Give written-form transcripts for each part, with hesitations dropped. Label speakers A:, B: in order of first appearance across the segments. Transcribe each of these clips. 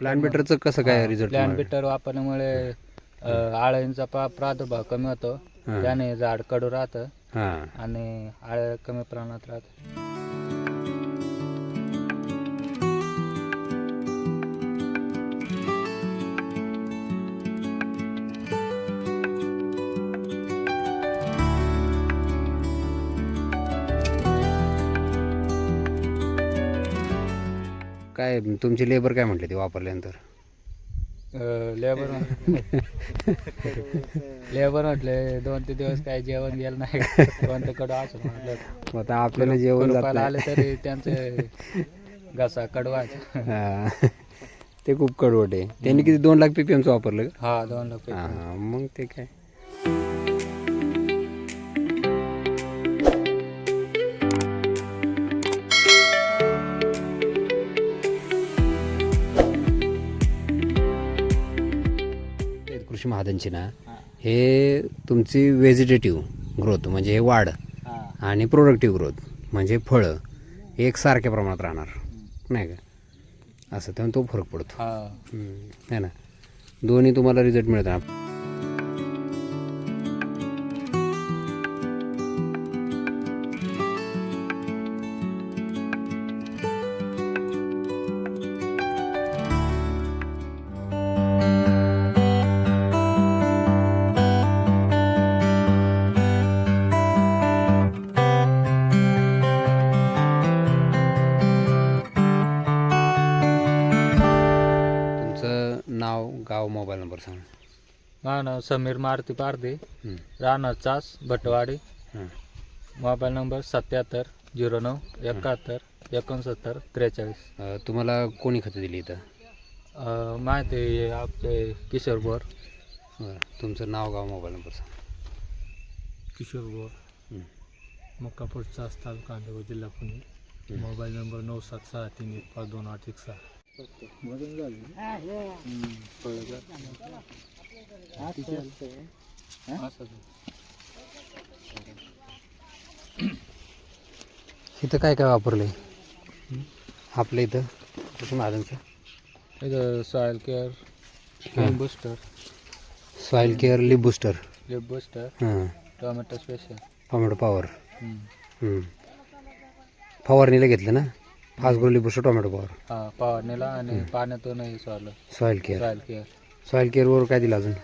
A: Plant बेटरचं कसं काय result?
B: Plan better वापरल्यामुळे आळ्यांचा प्रादुर्भाव कमी होतो, त्याने झाड कडू राहतं
A: हां,
B: आणि आळ्या कमी प्रमाणात राहतं.
A: काय तुमचे लेबर काय म्हटले ते वापरल्यानंतर?
B: लेबर लेबर म्हटले 2-3 दिवस काही जेवण गेलं नाही, कोणतं कडू असं म्हटलं.
A: आता आपल्याला जेवण जात
B: कुरुपाला आले
A: नाही.
B: तरी त्यांचे घसा कडवायचा.
A: हां, ते खूप कडवट आहे. त्यांनी किती 2 लाख PPMचं वापरलं का?
B: हा 2 लाख
A: हां, मग ते काय. कृषी महाजनची ना, हे तुमची व्हेजिटेटिव्ह ग्रोथ म्हणजे हे वाढ आणि प्रोडक्टिव्ह ग्रोथ म्हणजे फळं एकसारख्या प्रमाणात राहणार नाही का, असं तेव्हा तो फरक पडतो. है ना, दोन्ही तुम्हाला रिझल्ट मिळतात. नाव, गाव, मोबाईल नंबर सांगा.
B: माझं नाव समीर मारुती पारधी, राहणार चास भटवाडी, मोबाईल नंबर 7709716943.
A: तुम्हाला कोणी खतं दिली इथं?
B: माहिती आहे आपले किशोर बोर.
A: तुमचं नाव, गाव, मोबाईल नंबर सांगा.
C: किशोर बोर, मक्कापूर चास, तालुका अंधेगाव, जिल्हा पुणे. Mobile number 9763152816.
A: इथं काय काय वापरलंय आपल्या इथं कृषी महाजनचं?
B: इथं soil care, lip booster,
A: soil care, lip booster, हां,
B: टोमॅटो स्पेशल,
A: टोमॅटो पॉवर. फवारणीला घेतलं ना, fast grow lip booster, tomato power.
B: हा फवारणीला आणि पाण्यातूनही सोडलं.
A: Soil care,
B: soil care,
A: soil केअरवर काय दिलं अजून?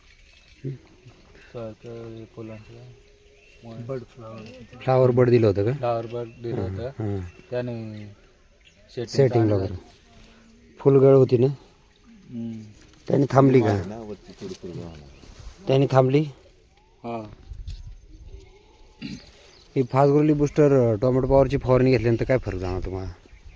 B: सॉईल केअर फुलांचं
C: बर्ड फ्लावर,
A: फ्लावर बड दिलं होतं का?
B: फ्लावर बर्ड दिलं होतं,
A: हां,
B: त्याने
A: सेटिंग वगैरे. फुलगळ होती ना, त्याने थांबली का? त्याने थांबली.
B: हा
A: ही fast grow lip booster tomato पॉवरची फवारणी घेतल्यानंतर काय फरक जाणवतो तुम्हाला?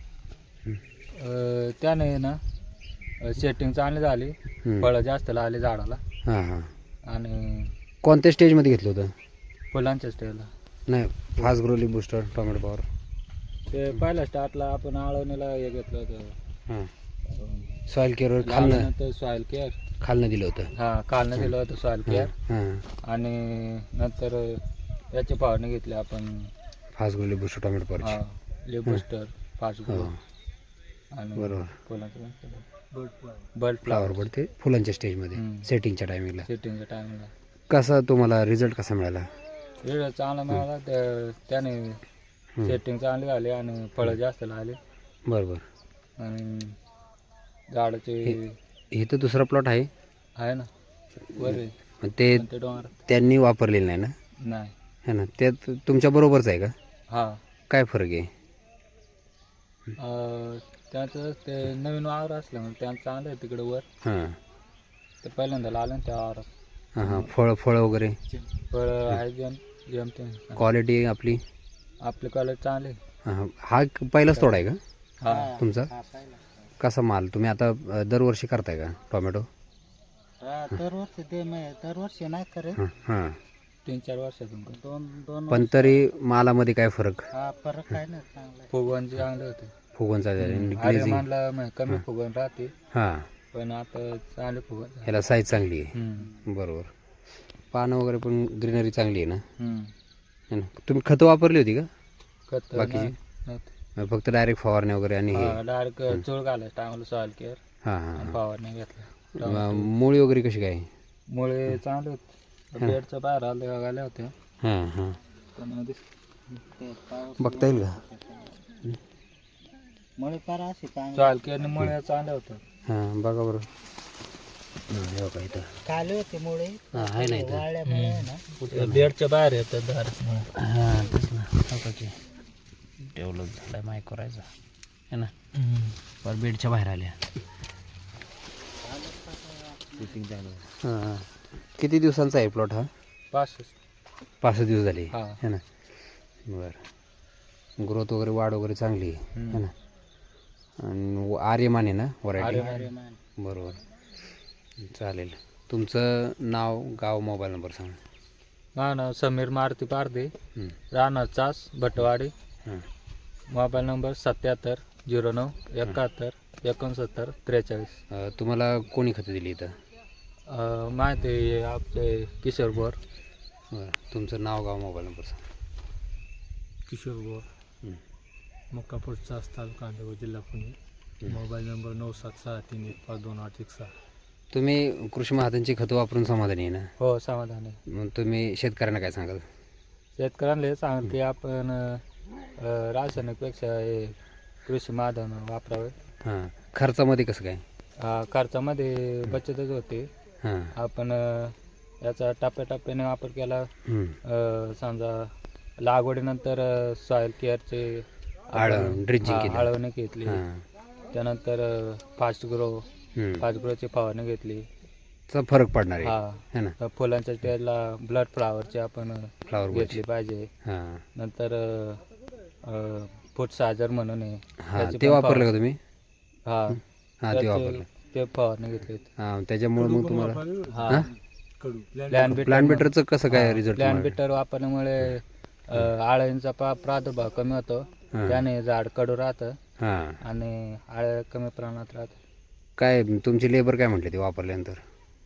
B: त्याने ना सेटिंग चांगली झाली, फळं जास्त लागली झाडाला
A: हां हां.
B: आणि
A: कोणत्या स्टेजमध्ये घेतलं होतं?
B: फुलांच्या स्टेजला.
A: नाही, fast grow lip booster tomato power.
B: ते पहिल्या स्टार्टला आपण आळवणीला हे घेतलं होतं,
A: हां, सॉईल केअरवर खालनं
B: सॉईल केअर,
A: खालनं दिलं होतं.
B: हा खालनं दिलं होतं सॉईल केअर,
A: हां,
B: आणि नंतर याची फवारणी घेतली आपण,
A: fast grow lip booster tomato पॉवरची.
B: हा लिप बूस्टर, फास्ट ग्रो
A: हो,
B: आणि
A: बरोबर.
B: फुलांचं
C: bird flower.
B: Bird
A: flower
B: flower
A: bud ते फुलांच्या स्टेजमध्ये सेटिंगच्या टायमिंगला.
B: सेटिंगच्या टायमिंगला.
A: कसा तुम्हाला रिझल्ट कसा मिळाला?
B: रिझल्ट चांगला मिळाला, त्याने सेटिंग चांगली झाली आणि फळं जास्त लागली
A: बरोबर.
B: आणि झाडाचे
A: हे तर दुसरा प्लॉट आहे
B: आहे ना वर आहे.
A: पण ते
B: पण ते डोंगर
A: त्यांनी वापरलेलं नाही ना,
B: नाही.
A: है ना, ते तुमच्या बरोबरच आहे का?
B: हा
A: काय फरक आहे?
B: त्याचं ते नवीन वावर असल्यामुळे त्यांचं चांगलं आहे तिकडं वर.
A: हां
B: ते पहिल्यांदा आलं ना त्या वावरात.
A: हां हां, फळं वगैरे
B: फळं आहे जमते,
A: क्वालिटी आपली.
B: आपली कॉलेज चांगली.
A: हां, हा पहिलाच तोडा आहे का
B: हा
A: तुमचा? कसा माल तुम्ही आता दरवर्षी करताय का टोमॅटो?
B: दरवर्षी नाही करत,
A: हां हां,
B: 3-4 वर्षातून दोन
A: पण तरी मालामध्ये काय फरक?
B: फरक काय नाही, चांगला फुगवण चांगले होते.
A: फुगवणचा
B: अरे
A: ग्लेझिंग.
B: मानला कमी फुगवण राहते,
A: हां,
B: पण आता चांगले फुगवण.
A: ह्याला साईज चांगली आहे. बरोबर. पानं वगैरे पण ग्रीनरी चांगली आहे ना, है ना. तुम्ही खतं वापरली होती का
B: खत
A: बाकीची? फक्त डायरेक्ट फवारणी वगैरे आणि हे?
B: डायरेक्ट चूळ घालायचं टायमाला सॉईल केअर
A: हां हां
B: फवारणी घेतल्या.
A: मुळी वगैरे कशी काय?
B: मुळे चांगले होते, बेडच्या बाहेर आले होत्या
A: हां हां
B: पण
A: बघता येईल का?
B: चाल केली मुळे चांगले होते.
A: हां बघा बरं. हो का इथं
D: काले होते मुळे
A: हां आहे ना इथं.
D: वाळल्यामुळे ना
B: बेडच्या बाहेर येतात धार.
A: हां तेच ना. हो का की डेव्हलप झाला आहे माईक करायचा है ना. बरं बेडच्या बाहेर आल्या. हां किती दिवसांचा आहे प्लॉट हा? 5 दिवस झाले
B: हा.
A: है ना. बरं ग्रोथ वगैरे वाढ वगैरे चांगली आहे है ना. आणि आर्यमान आहे ना व्हरायटी? बरोबर चालेल. तुमचं नाव गाव मोबाईल नंबर सांगा.
B: माझं नाव समीर मारुती पारदे,
A: हं.
B: राहणार चास भटवाडी,
A: हां
B: मोबाईल नंबर 77 09 71 69 43.
A: तुम्हाला कोणी खतं दिली इथं?
B: माहिती आहे आपले किशोर बोर.
A: बरं तुमचं नाव गाव मोबाईल नंबर सांगा.
C: किशोर गोर,
A: हं.
C: मक्कापूर चास तालुका कांदिवली जिल्हा पुणे. Mobile number 9763152816.
A: तुम्ही कृषी महाजनची खतं वापरून समाधानी आहे ना?
B: हो समाधान आहे.
A: मग तुम्ही शेतकऱ्यांना काय सांगाल?
B: शेतकऱ्यांना हे सांग की आपण रासायनिकपेक्षा हे कृषी माधन वापरावे.
A: हां खर्चामध्ये कसं काय?
B: खर्चामध्ये बचतच होते.
A: हां
B: आपण याचा टप्प्याटप्प्याने वापर केला.
A: हं.
B: समजा लागवडीनंतर सॉईल केअरचे
A: ड्रिंचिंग केलं.
B: आळवणी घेतली.
A: हां
B: त्यानंतर फास्ट ग्रोची फवारणी घेतली.
A: चा फरक पडणार आहे
B: हा
A: है ना.
B: फुलांच्या स्टेजला ब्लड फ्लावरची आपण
A: फ्लावर
B: घेतली पाहिजे.
A: हां
B: नंतर फूट साजर म्हणून आहे
A: हां
B: त्याची
A: ते
B: पण
A: वापरलं का तुम्ही?
B: हा
A: हां ते वापरलं.
B: ते फवारणी घेतली.
A: हां त्याच्यामुळे मग तुम्हाला
B: हा
C: कडू
A: प्लॅन बेटरचं कसं काय रिझल्ट?
B: प्लॅन बिटर वापरल्यामुळे आळ्यांचा प्रादुर्भाव कमी होतो.
A: हां.
B: त्याने झाड कडू राहतं
A: हां
B: आणि आळ्या कमी प्रमाणात राहतं.
A: काय तुमची लेबर काय म्हटले ते वापरल्यानंतर?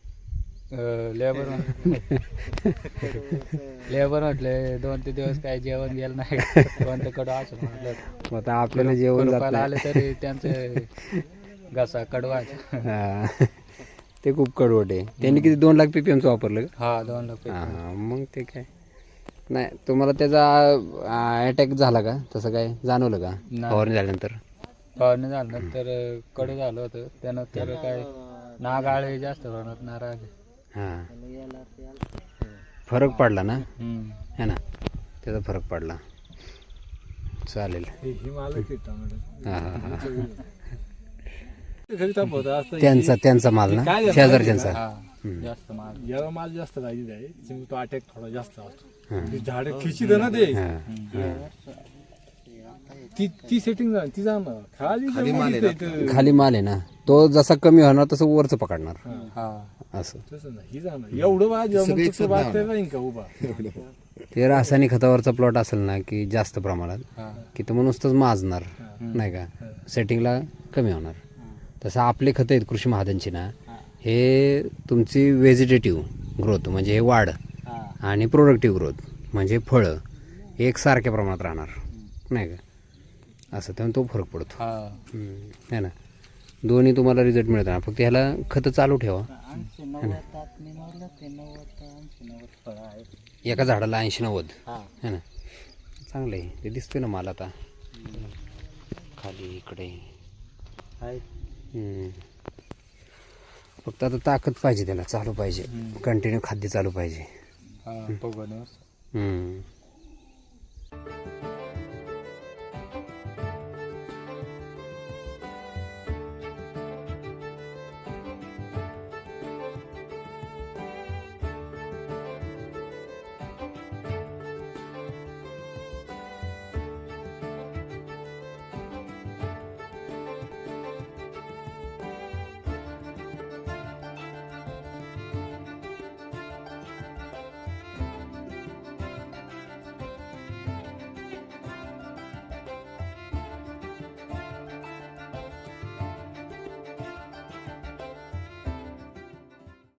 B: लेबर म्हटले 2-3 दिवस काही जेवण गेलं नाही. कोणतं कडू असं म्हटलं.
A: मग आता आपल्याला जेवण जात
B: रुपयाला
A: नाही.
B: आले तरी त्यांचे घसा कडवायचा.
A: हां ते खूप कडवट आहे. त्यांनी किती 2 लाख PPM चं वापरलं का?
B: हा 2 लाख.
A: हां मग ते काय नाही. तुम्हाला त्याचा अटॅक झाला का? तसं काय जाणवलं का
B: नाही.
A: फवारणी झाल्यानंतर?
B: फवारणी झाल्यानंतर कडू झालं होतं. त्यानंतर काय नाग आळे जास्त प्रमाणात नाराज.
A: हां फरक पडला ना
B: हम्म.
A: है ना. त्याचा फरक पडला. चालेल.
C: हे मालक आहे टोमॅटो.
A: हां हां हां
C: घरी तापवतं असतं.
A: त्यांचा माल ना
C: काय झालं
A: शेजारच्यांचा?
B: हा जास्त माल.
C: याला माल जास्त लागली आहे त्यामुळे तो अटॅक थोडा जास्त असतो.
A: हां.
C: ती झाडं खिचित ना ते
A: हां
C: ती सेटिंग झाली ती जाणार खाली
A: माल आहे ना. तो जसा कमी होणार तसं वरचं पकडणार
B: हा
A: असं.
C: तसं नाही ही जाणार एवढं राहीन का उभा.
A: ते रासायनिक खतावरचा प्लॉट असेल ना की जास्त प्रमाणात
B: हा
A: की तर मग नुसतंच माजणार नाही का. सेटिंगला कमी होणार. तसं आपले खतं आहेत कृषी महाजनची ना, हे तुमची व्हेजिटेटिव्ह ग्रोथ म्हणजे हे वाढ आणि प्रोडक्टिव्ह ग्रोथ म्हणजे फळं एकसारख्या प्रमाणात राहणार नाही का. असं त्यामुळे तो फरक पडतो
B: हा
A: है ना. दोन्ही तुम्हाला रिझल्ट मिळतात. फक्त ह्याला खतं चालू ठेवा.
D: 80-90 मी मोजलं ते 90-80-90 फळं आहेत.
A: एका झाडाला 80-90
D: हा
A: है ना. चांगलं आहे. ते दिसतोय ना मला आता खाली इकडे. फक्त आता ताकद पाहिजे त्याला, चालू पाहिजे कंटिन्यू खाद्य चालू पाहिजे.
B: हा बघून
A: हम्म.